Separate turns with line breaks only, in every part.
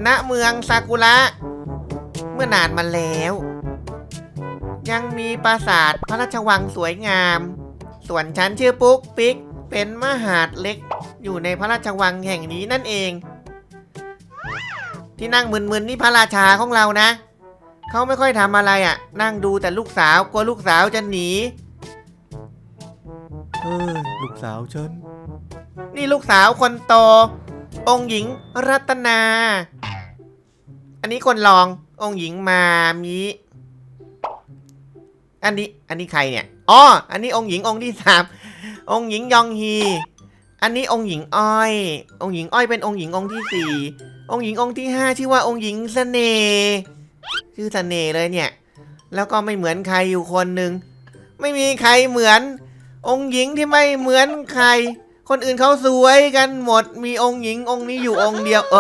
ณเมืองซากุระเมื่อนานมาแล้วยังมีปราสาทพระราชวังสวยงามส่วนฉันชื่อปุ๊กปิ๊กเป็นมหาดเล็กอยู่ในพระราชวังแห่งนี้นั่นเองที่นั่งมึนๆนี่พระราชาของเรานะเขาไม่ค่อยทำอะไรอ่ะนั่งดูแต่ลูกสาวกลัวลูกสาวจะหนี
ลูกสาวฉัน
นี่ลูกสาวคนโตองค์หญิงรัตนาอันนี้คนรององค์หญิงมามิอันนี้ใครเนี่ยอ๋ออันนี้องค์หญิงองค์ที่3องค์หญิงยองฮีอันนี้องค์หญิงอ้อยองค์หญิงอ้อยเป็นองค์หญิงองค์ที่4องค์หญิงองค์ที่5ชื่อว่าองค์หญิงเสน่ห์ชื่อเสน่ห์เลยเนี่ยแล้วก็ไม่เหมือนใครอยู่คนหนึ่งไม่มีใครเหมือนองค์หญิงที่ไม่เหมือนใครคนอื่นเขาสวยกันหมดมีองค์หญิงองค์นี้อยู่องค์เดียว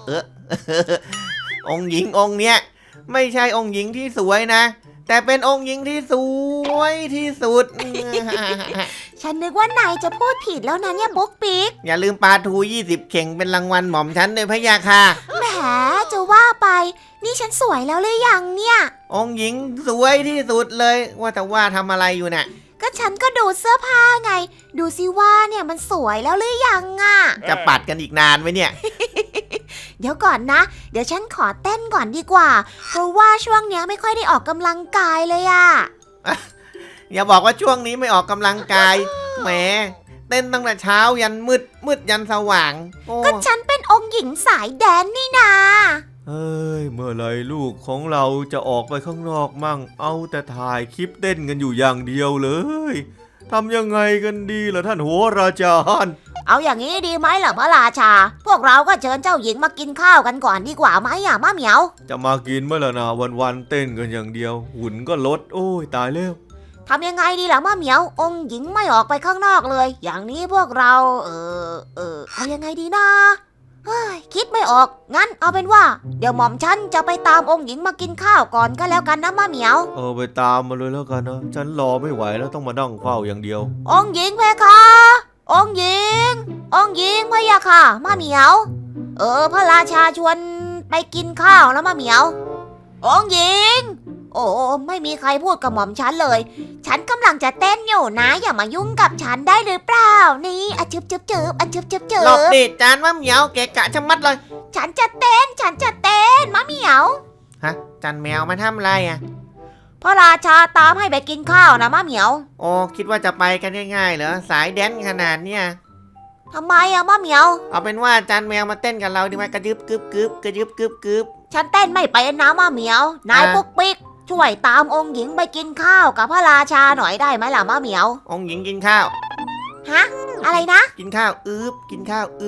องค์หญิงองค์เนี้ยไม่ใช่องค์หญิงที่สวยนะแต่เป็นองค์หญิงที่สวยที่สุด
ฉันนึกว่านายจะพูดผิดแล้วนะเนี่ยปุ๊กปิ๊ก
อย่าลืมปลาทู20เข่งเป็นรางวัลหม่อมฉันด้วยพะยาค่ะ
แหมจะว่าไปนี่ฉันสวยแล้วหรือยังเนี่ย
องค์หญิงสวยที่สุดเลยว่าแต่ว่าทำอะไรอยู่น่ะ
ก็ฉันก็ดูเสื้อผ้าไงดูสิว่าเนี่ยมันสวยแล้วหรือยังอ่ะ
จะปัดกันอีกนานไหมเนี่ย
เดี๋ยวก่อนนะเดี๋ยวฉันขอเต้นก่อนดีกว่าเพราะว่าช่วงเนี้ยไม่ค่อยได้ออกกำลังกายเลยอ่ะ
อย่าบอกว่าช่วงนี้ไม่ออกกำลังกายแหมเต้นตั้งแต่เช้ายันมืดยันสว่าง
ก็ฉันเป็นองค์หญิงสายแดนนี่นา
เมื่อไรลูกของเราจะออกไปข้างนอกมั่งเอาแต่ถ่ายคลิปเต้นกันอยู่อย่างเดียวเลยทำยังไงกันดีล่ะท่านโหราจารย์
เอาอย่างนี้ดีไหมล่ะพระราชาพวกเราก็เชิญเจ้าหญิงมากินข้าวกันก่อนดีกว่าไหมอ่ะมะเหมียว
จะมากินเมื่อล่ะนะวันเต้นกันอย่างเดียวหุ่นก็ลดโอ้ยตายแล้ว
ทำยังไงดีล่ะมะเหมียวองค์หญิงไม่ออกไปข้างนอกเลยอย่างนี้พวกเราเอายังไงดีนะคิดไม่ออกงั้นเอาเป็นว่าเดี๋ยวหม่อมฉันจะไปตามองค์หญิงมากินข้าวก่อนก็แล้วกันนะมะเหมียว
ไปตามมาเลยแล้วกันนะฉันรอไม่ไหวแล้วต้องมานั่งเฝ้าอย่างเดียว
องค์หญิงเพคะองค์หญิงพะยะค่ะมะเหมียวพระราชาชวนไปกินข้าวแล้วมะเหมียวองค์หญิงโอ้ไม่มีใครพูดกับหม่อมฉันเลยฉันกำลังจะเต้นอยู่นะอย่ามายุ่งกับฉันได้หรือเปล่านี่อะจึบ
หลบดิจานมะเหมียวเกะกะชะมัดเลย
ฉันจะเต้นมะเหมียว
ฮะจันแมวมาทำอะไรอ่ะ
พระราชาตามให้ไปกินข้าวนะมะเหมียว
โอ้คิดว่าจะไปกันง่ายๆเหรอสายแดนขนาดเนี้ย
ทำไมอะมะเหมียว
เอาเป็นว่าจันแมวมาเต้นกับเราดีไหมกระยึบกึบกึบกระยึบกึบกึบ
ฉันเต้นไม่เป็นนะมะเหมียวนายปุ๊กปิ๊กช่วยตามองค์หญิงไปกินข้าวกับพระราชาหน่อยได้ไหมล่ะมะเหมียว
องค์หญิงกินข้าว
ฮะอะไรนะ
กินข้าวกินข้าว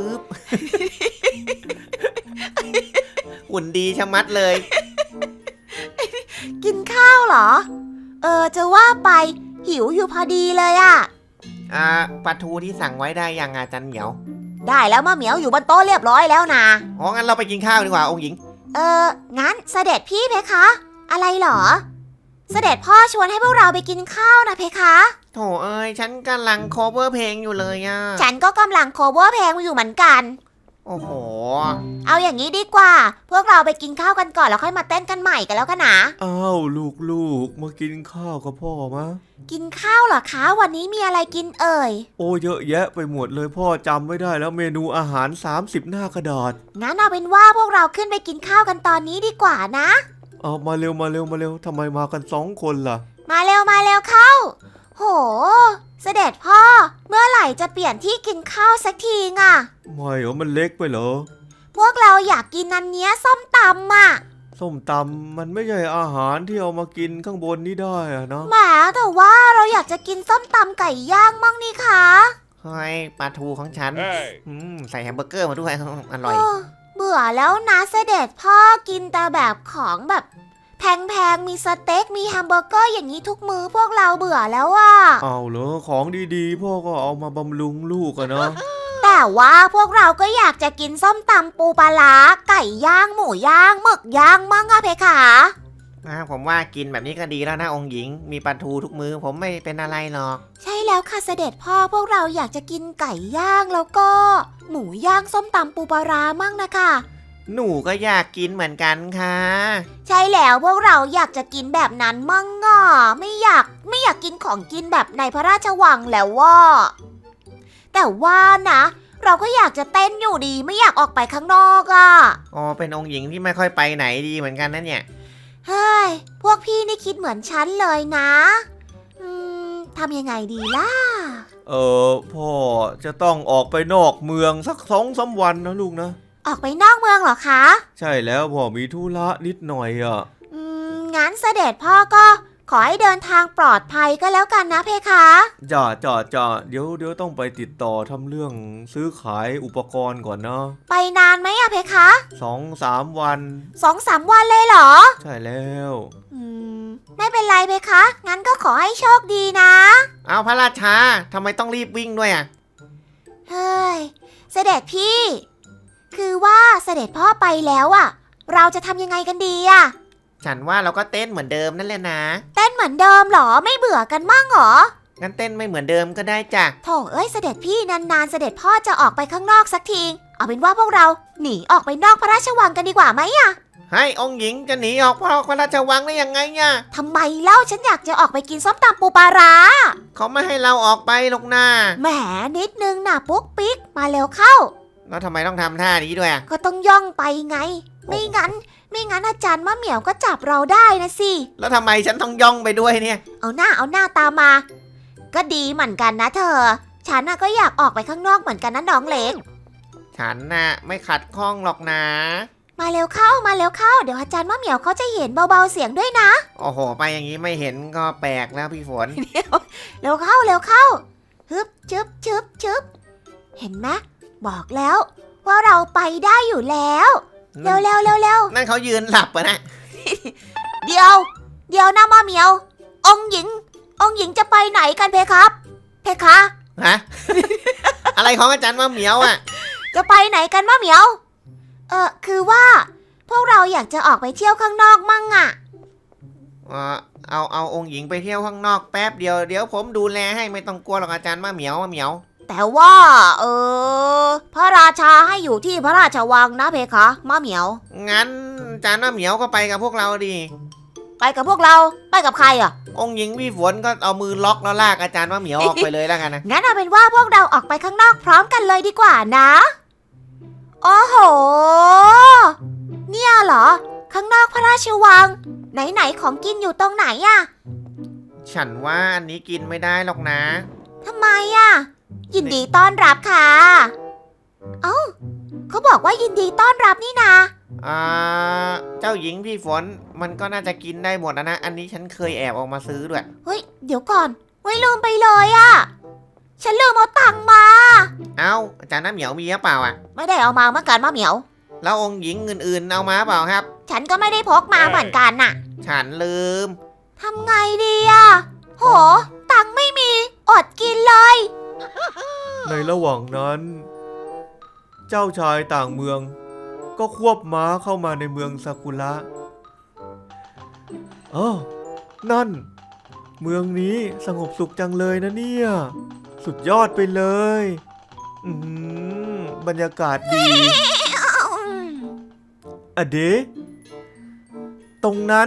หุ่นดีชะมัดเลย
กินข้าวเหรอจะว่าไปหิวอยู่พอดีเลยอะ
ปลาทูที่สั่งไว้ได้ยังอาจารย์เหมียว
ได้แล้วมะเหมียวอยู่บนโต๊ะเรียบร้อยแล้วนะ
อ๋องั้นเราไปกินข้าวดีกว่าองค์หญิง
งั้นเสด็จพี่เพคะอะไรเหรอเสด็จพ่อชวนให้พวกเราไปกินข้าวนะเพคะ
โถเอ้ยฉันกำลังโคเวอร์เพลงอยู่เลยอ่ะ
ฉันก็กำลังโคเวอร์เพลงอยู่เหมือนกัน
โอ้โห
เอาอย่างนี้ดีกว่าพวกเราไปกินข้าวกันก่อนแล้วค่อยมาเต้นกันใหม่กันแล้วกันนะ
อ้าวลูกมากินข้าวกับพ่อมะ
กินข้าวเหรอคะวันนี้มีอะไรกินเอ่ย
โอ้เยอะแยะไปหมดเลยพ่อจำไม่ได้แล้วเมนูอาหาร30หน้ากระดาษ
งั้นเอาเป็นว่าพวกเราขึ้นไปกินข้าวกันตอนนี้ดีกว่านะ
เอามาเร็วทำไมมากัน2 คนล่ะ
มาเร็วเข้าโหเสด็จพ่อเมื่อไหร่จะเปลี่ยนที่กินข้าวสักทีอ่ะ
ไม่มันเล็กไปเหรอ
พวกเราอยากกินอันเนี้ยส้มตำอ่ะ
ส้มตำมันไม่ใช่อาหารที่เอามากินข้างบนนี่ได้อะเนาะ
แหมแต่ว่าเราอยากจะกินส้มตำไก่ย่างมั่งนี่คะ
เฮ้ยปลาทูของฉันใส่แฮมเบอร์เกอร์มาด้วยอร่อย
เบื่อแล้วนะเสด็จพ่อกินแต่แบบของแบบแพงมีสเต็กมีแฮมเบอร์เกอร์อย่างนี้ทุกมื้อพวกเราเบื่อแล้วอ่ะ
เอาเหรอของดีๆพ่อก็เอามาบำรุงลูกอะเนาะ
แต่ว่าพวกเราก็อยากจะกินส้มตำปูปลาร้าไก่ย่างหมูย่างหมึกย่างมั่งอะเพคะ
ผมว่ากินแบบนี้ก็ดีแล้วนะองค์หญิงมีปลาทูทุกมื้อผมไม่เป็นอะไรหรอก
ใช่แล้วค่ะเสด็จพ่อพวกเราอยากจะกินไก่ย่างแล้วก็หมูย่างส้มตำปูปลาร้ามั่งนะคะ
หนูก็อยากกินเหมือนกันค่ะ
ใช่แล้วพวกเราอยากจะกินแบบนั้นมั่งอ่ะไม่อยากกินของกินแบบในพระราชวังแล้วว่าแต่ว่านะ เราก็อยากจะเต้นอยู่ดีไม่อยากออกไปข้างนอกอ่ะ
อ๋อเป็นองค์หญิงที่ไม่ค่อยไปไหนดีเหมือนกันนะเนี่ย
เฮ้ยพวกพี่นี่คิดเหมือนฉันเลยนะทำยังไงดีล่ะ
พ่อจะต้องออกไปนอกเมืองสัก2-3 วันนะลูกนะ
ออกไปนอกเมืองเหรอคะ
ใช่แล้วพ่อมีธุระนิดหน่อยอ่ะ
งั้นเสด็จพ่อก็ขอให้เดินทางปลอดภัยก็แล้วกันนะเพคะ
จ้าเดี๋ยวต้องไปติดต่อทำเรื่องซื้อขายอุปกรณ์ก่อนนะ
ไปนานไหมอะเพคะ
2-3 วัน
2-3 วันเลยเหรอ
ใช่แล้ว
ไม่เป็นไรเพคะ งั้นก็ขอให้โชคดีนะ
เอาพระราชาทำไมต้องรีบวิ่งด้วยอ่ะ
เฮ้ย เสด็จพี่ คือว่าเสด็จพ่อไปแล้วอะเราจะทำยังไงกันดีอะ
ฉันว่าเราก็เต้นเหมือนเดิมนั่นแหละนะ
เต้นเหมือนเดิมเหรอ ไม่เบื่อกันมั่งเหรอ
งั้นเต้นไม่เหมือนเดิมก็ได้จ้ะ
โถเอ้ยเสด็จพี่นานๆเสด็จพ่อจะออกไปข้างนอกสักที เอาเป็นว่าพวกเราหนีออกไปนอกพระราชวังกันดีกว่าไหมอะ
ให้องค์หญิงจะหนีออกพระราชวังได้ยังไงเนี่ย
ทำไมเล่าฉันอยากจะออกไปกินส้มตำปูปลาร้า
เขาไม่ให้เราออกไปหรอกนะ
แหมนิดนึงนะปุ๊กปิ๊กมาเร็วเข้า
แล้วทำไมต้องทำท่านี้ด้วยอ่ะ
ก็ต้องย่องไปไง ไม่งั้นอาจารย์มะเหมียวก็จับเราได้นะสิ
แล้วทำไมฉันต้องย่องไปด้วยเนี่ย
เอาหน้าตามมา ก็ดีเหมือนกันนะเธอ ฉันน่ะก็อยากออกไปข้างนอกเหมือนกันนะน้องเล็ก
ฉันน่ะไม่ขัดข้องหรอกนะ
มาเร็วเข้า เดี๋ยวอาจารย์มะเหมียวเขาจะเห็นเบาๆเสียงด้วยนะ
โอ้โห ไปอย่างนี้ไม่เห็นก็แปลกแล้วพี่ฝน
เร็วเข้าฮึบชึบเห็นไหมบอกแล้วว่าเราไปได้อยู่แล้ว เร็ว
นั่นเขายืนหลับอะนะ
เดี๋ยวนะมะเหมียว องค์หญิงจะไปไหนกันเพครับ เพคะ
ฮะ อะไรของอาจารย์มะเหมียวอ่ะ
จะไปไหนกันมะเหมียว คือว่าพวกเราอยากจะออกไปเที่ยวข้างนอกมั่งอะ
เอาองค์หญิงไปเที่ยวข้างนอกแป๊บเดียวเดี๋ยวผมดูแลให้ไม่ต้องกลัวหรอกอาจารย์มะเหมียว
แต่ว่าพระราชาให้อยู่ที่พระราชวังนะเพคะมะเหมียว
งั้นอาจารย์มะเหมียวก็ไปกับพวกเราดิ
ไปกับพวกเราไปกับใครอะ
องค์หญิงพี่ฝนก็เอามือล็อกแล้วลากอาจารย์มะเหมียวออกไปเลยแล้วกันนะ
งั้นเอาเป็นว่าพวกเราออกไปข้างนอกพร้อมกันเลยดีกว่านะโอ้โหเนี่ยเหรอข้างนอกพระราชวังไหนของกินอยู่ตรงไหนอะ
ฉันว่าอันนี้กินไม่ได้หรอกนะ
ทำไมอะยินดีต้อนรับค่ะเอ้าเขาบอกว่ายินดีต้อนรับนี่นา
เจ้าหญิงพี่ฝนมันก็น่าจะกินได้หมดนะอันนี้ฉันเคยแอบออกมาซื้อด้วย
เฮ้ยเดี๋ยวก่อนไว้ลืมไปเลยอะฉันลืมเอาตังค์มา
เอ้าอาจารย์มะเหมียวมีหรือเปล่าอ่ะ
ไม่ได้เอามาเมื่อกันมะเหมียว
แล้วองค์หญิงอื่นๆเอามาเปล่าครับ
ฉันก็ไม่ได้พกมาเหมือนกันน่ะ
ฉันลืม
ทำไงดีอะโหตังค์ไม่มีอดกินเลย
ในระหว่างนั้น เจ้าชายต่างเมือง ก็ควบม้าเข้ามาในเมืองซากุระนั่น เมืองนี้สงบสุขจังเลยนะเนี่ย สุดยอดไปเลย บรรยากาศดีอะเดะตรงนั้น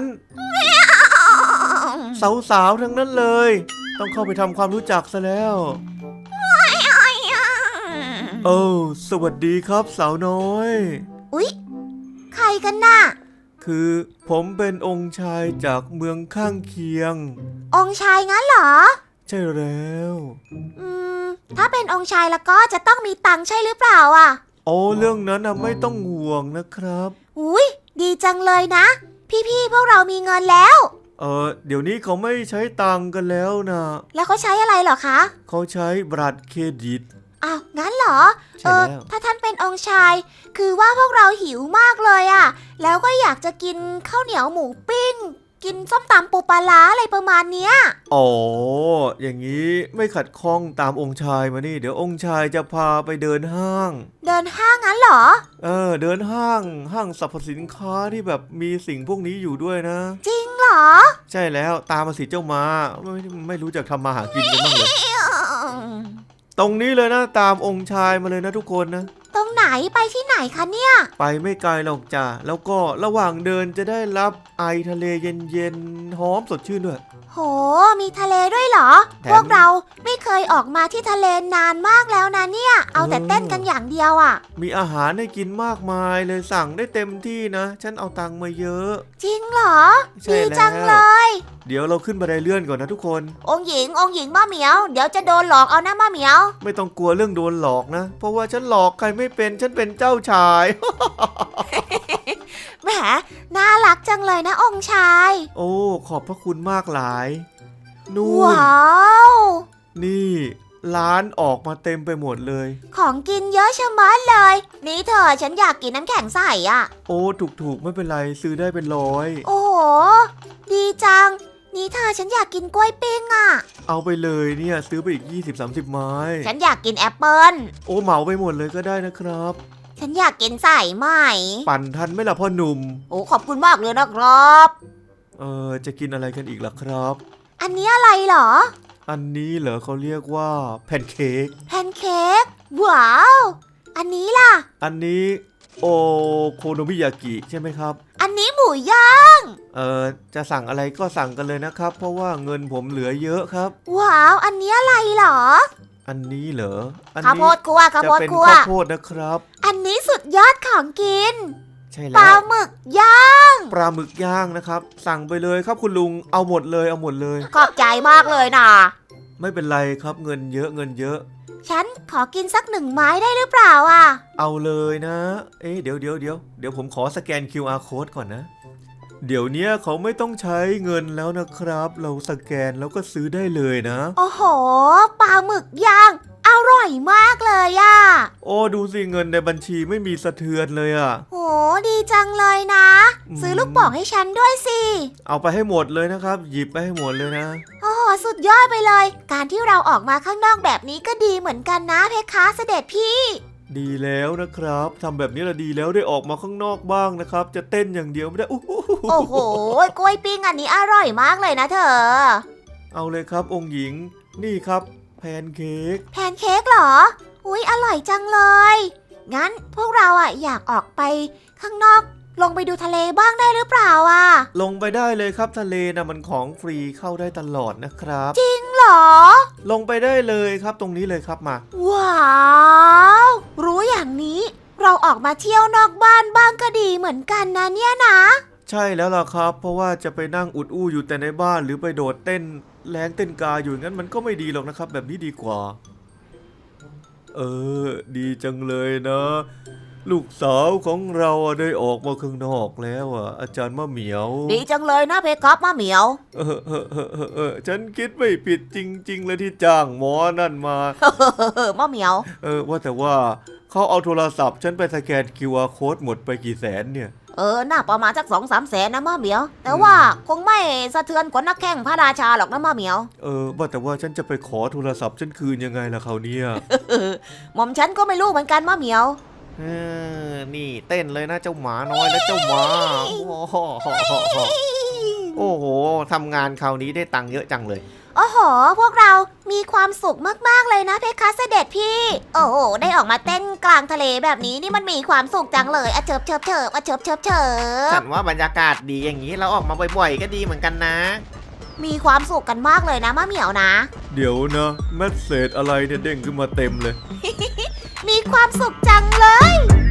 สาวๆทั้งนั้นเลย ต้องเข้าไปทำความรู้จักซะแล้ว สวัสดีครับสาวน้อย
อุ๊ยใครกันน่ะ
คือผมเป็นองค์ชายจากเมืองข้างเคียง
องค์ชายงั้นเหรอ
ใช่แล้ว
ถ้าเป็นองค์ชายแล้วก็จะต้องมีตังค์ใช่หรือเปล่าอ่ะ
เรื่องนั้นไม่ต้องห่วงนะครับ
อุ๊ยดีจังเลยนะ พี่ๆพวกเรามีเงินแล้ว
เดี๋ยวนี้เขาไม่ใช้ตังค์กันแล้วนะ
แล้วเขาใช้อะไรเหรอคะ
เขาใช้บัตรเครดิต
อ้าวงั้นเหรอ
ใช่แล้ว
ถ้าท่านเป็นองค์ชาย คือว่าพวกเราหิวมากเลยอ่ะ แล้วก็อยากจะกินข้าวเหนียวหมูปิ้ง กินส้มตำปูปลาร้าอะไรประมาณเนี้ย
อย่างนี้ไม่ขัดข้องตามองค์ชายมานี่ เดี๋ยวองค์ชายจะพาไปเดินห้าง
เดินห้างงั้นเหรอ
เดินห้างสรรพสินค้าที่แบบมีสิ่งพวกนี้อยู่ด้วยนะ
จริงเหรอ
ใช่แล้วตามมาสิเจ้ามาไม่รู้จักทำมาหากินกันบ้างเลย ตรงนี้เลยนะตามองค์ชายมาเลยนะทุกคนนะ
ตรงไหนไปที่ไหนคะเนี่ย
ไปไม่ไกลหรอกจ้ะแล้วก็ระหว่างเดินจะได้รับไอทะเลเย็นๆหอมสดชื่นด้วย
โห มีทะเลด้วยเหรอ
แถม
พวกเราไม่เคยออกมาที่ทะเลนานมากแล้วนะเนี่ย เอาแต่เต้นกันอย่างเดียวอ่ะ
มีอาหารให้กินมากมายเลยสั่งได้เต็มที่นะ ฉันเอาตังค์มาเยอะ
จริงเหรอ
ใช่
ดี
แล้ว
จังเลย
เดี๋ยวเราขึ้นบันไดเลื่อนก่อนนะทุกคน
องค์หญิงมะเหมียว เดี๋ยวจะโดนหลอกเอานะมะเหมียว
ไม่ต้องกลัวเรื่องโดนหลอกนะ เพราะว่าฉันหลอกใครไม่เป็นฉันเป็นเจ้าชาย
แหม น่ารักจังเลยนะองค์ชาย
โอ้ขอบพระคุณมากหลายนู่น
ว้าว
นี่ร้านออกมาเต็มไปหมดเลย
ของกินเยอะชะมัดเลย นี่เธอฉันอยากกินน้ำแข็งใสอ่ะ
โอ้ถูกไม่เป็นไรซื้อได้เป็นร้อย
โอ้โห ดีจัง นี่เธอฉันอยากกินกล้วยปิ้งอ่ะ
เอาไปเลยเนี่ยซื้อไปอีก 20-30 ไม้
ฉันอยากกินแอปเปิ้ล
โอ้เหมาไปหมดเลยก็ได้นะครับ
ฉันอยากกินใส่ไหม
ปั่นทันไหมล่ะพ่อหนุ่ม
โอ้ขอบคุณมากเลยนะครับ
จะกินอะไรกันอีกล่ะครับ
อันนี้อะไรเหรอ
อันนี้เหรอเขาเรียกว่าแพนเค้ก
แพนเค้ก ว้าว อันนี้ล่ะ
อันนี้โอโคโนมิยากิใช่ไหมครับ
อันนี้หมูย่าง
จะสั่งอะไรก็สั่งกันเลยนะครับ เพราะว่าเงินผมเหลือเยอะครับ
ว้าว อันนี้อะไรเหรอ
อันนี้เหรอ อัน
ข้าวโพ
นี้
ดคั่วข้าว
จะ
โพด
เป็น
คั่ว
ข้าวโพดนะครับ
อันนี้สุดยอดของกิน
ใช่
ป
แล้
ลาว หมึกย่าง
ปลาหมึกย่างนะครับ สั่งไปเลยครับคุณลุงเอาหมดเลยเอาหมดเลย
ขอบใจมากเลยนะ
ไม่เป็นไรครับเงินเยอะเงินเยอะ
ฉันขอกินสัก1 ไม้ได้หรือเปล่าอ่ะ
เอาเลยนะ เดี๋ยวผมขอสแกน QR code ก่อนนะ เดี๋ยวเนี้ยเขาไม่ต้องใช้เงินแล้วนะครับ เราสแกนแล้วก็ซื้อได้เลยนะ
โอ้โห ปลาหมึกย่าง อร่อยมากเลยอ่ะ
โอ้ดูสิเงินในบัญชีไม่มีสะเทือนเลยอะ
โห ดีจังเลยนะ ซื้อลูกโป่งให้ฉันด้วยสิ
เอาไปให้หมดเลยนะครับ หยิบไปให้หมดเลยนะ
โอ้โห สุดยอดไปเลย การที่เราออกมาข้างนอกแบบนี้ก็ดีเหมือนกันนะเพคะเสด็จพี่
ดีแล้วนะครับทำแบบนี้ละดีแล้วได้ออกมาข้างนอกบ้างนะครับ จะเต้นอย่างเดียวไม่ได้อู้หู
โอ้โห กล้วยปิ้งอันนี้อร่อยมากเลยนะเธอ
เอาเลยครับองค์หญิงนี่ครับแพนเค้ก
แพนเค้กเหรอ อุ๊ย อร่อยจังเลย งั้นพวกเราอ่ะอยากออกไปข้างนอก ลงไปดูทะเลบ้างได้หรือเปล่าอ่ะ
ลงไปได้เลยครับทะเลนะมันของฟรีเข้าได้ตลอดนะครับ
จริงเหรอ
ลงไปได้เลยครับตรงนี้เลยครับมา
ว้าว รู้อย่างนี้ เราออกมาเที่ยวนอกบ้านบ้างก็ดีเหมือนกันนะเนี่ยนะ
ใช่แล้วล่ะครับ เพราะว่าจะไปนั่งอุดอู้อยู่แต่ในบ้านหรือไปโดดเต้นแรงเต้นกาอยู่งั้นมันก็ไม่ดีหรอกนะครับ แบบนี้ดีกว่า ดีจังเลยนะ ลูกสาวของเราได้ออกมาข้างนอกแล้วอาจารย์มะเหมียว
ดีจังเลยนะเพคะมะเหมียว
ฉันคิดไม่ผิดจริง ๆ เลยที่จ้างหมอนั่นมา
มะเหมียว
ว่าแต่ว่าเขาเอาโทรศัพท์ฉันไปสแกน QR code หมดไปกี่แสนเนี่ย
น่าประมาณสัก2-3 แสนนะมะเหมียว แต่ว่าคงไม่สะเทือนกว่านักแข่งพระราชาหรอกนะมะเหมียว
ว่าแต่ว่าฉันจะไปขอโทรศัพท์ฉันคืนยังไงล่ะเขาวเนี่ย
หม่อมฉันก็ไม่รู้เหมือนกันมะเหมียว
นี่เต้นเลยนะเจ้าหมาน้อยและเจ้าหมาโอ้โหทำงานคราวนี้ได้ตังค์เยอะจังเลย
โอ้โห พวกเรามีความสุขมากๆเลยนะเพคะเสด็จพี่ โอ้โห ได้ออกมาเต้นกลางทะเลแบบนี้นี่มันมีความสุขจังเลยอะเฉิบเฉิบเฉิบอะเฉิบเฉิบเฉิ
ฉั
บ
นว่าบรรยากาศดีอย่างนี้เราออกมาบ่อยๆก็ดีเหมือนกันนะ
มีความสุขกันมากเลยนะมะเหมียวนะ
เดี๋ยวนะแมสเซจอะไรเนี่ยเด้งขึ้นมาเต็มเลย
มีความสุขจังเลย